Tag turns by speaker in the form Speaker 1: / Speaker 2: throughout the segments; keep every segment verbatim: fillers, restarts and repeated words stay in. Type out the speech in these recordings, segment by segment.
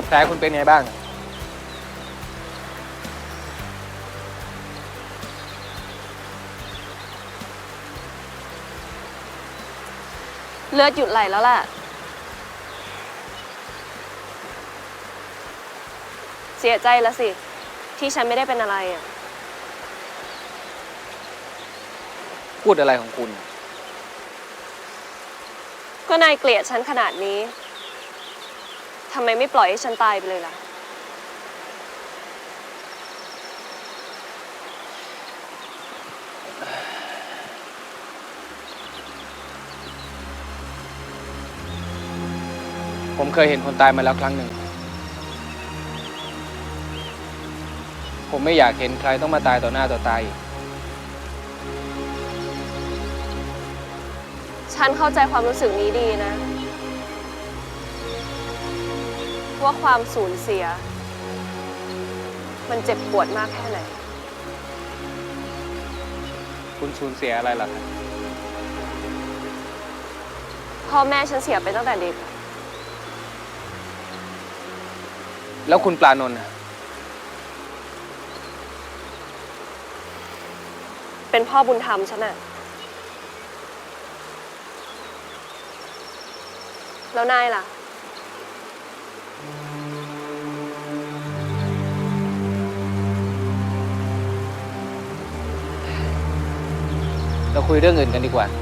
Speaker 1: แผลคุณเป็นไงบ้าง
Speaker 2: เลือดหยุดไหลแล้วแหละเสียใจแล้วสิที่ฉันไม่ได้เป็นอะไรอ่ะ
Speaker 1: พูดอะไรของคุณ
Speaker 2: ก็นายเกลียดฉันขนาดนี้ทำไมไม่ปล่อยให้ฉันตายไปเลยล่ะ
Speaker 1: ผมเคยเห็นคนตายมาแล้วครั้งหนึ่งผมไม่อยากเห็นใครต้องมาตายต่อหน้าต่อตาอีก
Speaker 2: ฉันเข้าใจความรู้สึกนี้ดีนะว่าความสูญเสียมันเจ็บปวดมากแค่ไหน
Speaker 1: คุณสูญเสียอะไรล่ะครับ
Speaker 2: พ่อแม่ฉันเสียไปตั้งแต่เด็ก
Speaker 1: แล้วคุณปลานนท์อะ
Speaker 2: เป็นพ่อบุญธรรมฉันน่ะแล้วนายล่ะ
Speaker 1: เราคุยเรื่องอื่นกันดีกว่า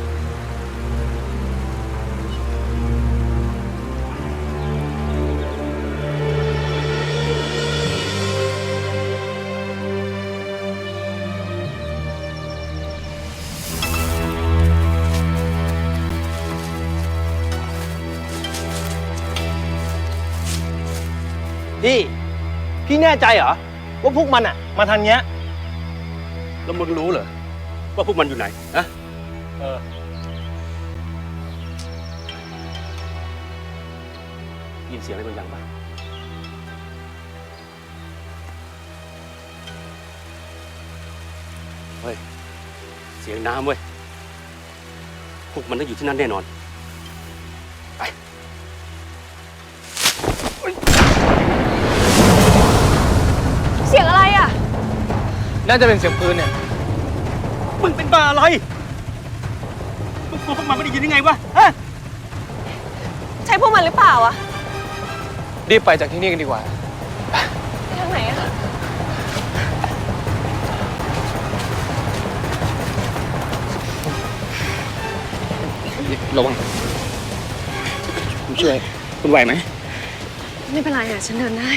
Speaker 3: พี่ พี่แน่ใจเหรอว่าพวกมันอะมาทางเนี้ย
Speaker 4: แล้วมึงรู้เหรอว่าพวกมันอยู่ไหนนะ
Speaker 3: เออ
Speaker 4: ยินเสียงอะไรบางอย่างป่ะเฮ้ยเสียงน้ำเว้ยพวกมันต้องอยู่ที่นั่นแน่นอนไป
Speaker 2: เสียงอะไรอ่ะ
Speaker 1: น่าจะเป็นเสียงปืนเนี่ย
Speaker 4: มึงเป็นบ้าอะไรมึงกลัวพวกมันไม่ได้ยินยังไงวะฮะ
Speaker 2: ใช่พวกมันหรือเปล่าอ่ะ
Speaker 1: รีบไปจากที่นี่กันดีกว่า
Speaker 2: ไปทางไหนอ่ะ
Speaker 1: ระวังผมช่วยคุณไหวไหม
Speaker 2: ไม่เป็นไรอ่ะฉันเดินได้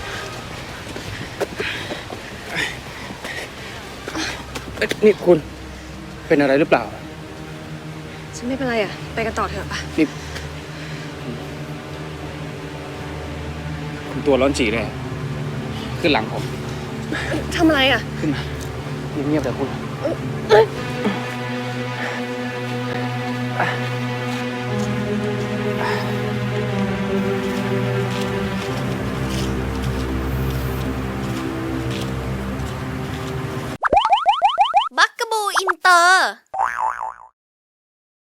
Speaker 1: นี่คุณเป็นอะไรหรือเปล่า
Speaker 2: ฉันไม่เป็นไรอ่ะไปกันต่อเถอะป่ะ
Speaker 1: นี่คุณตัวร้อนจีเลยขึ้นหลังผม
Speaker 2: ทำอะไรอ่ะ
Speaker 1: ขึ้นมาเงียบๆแต่คุณ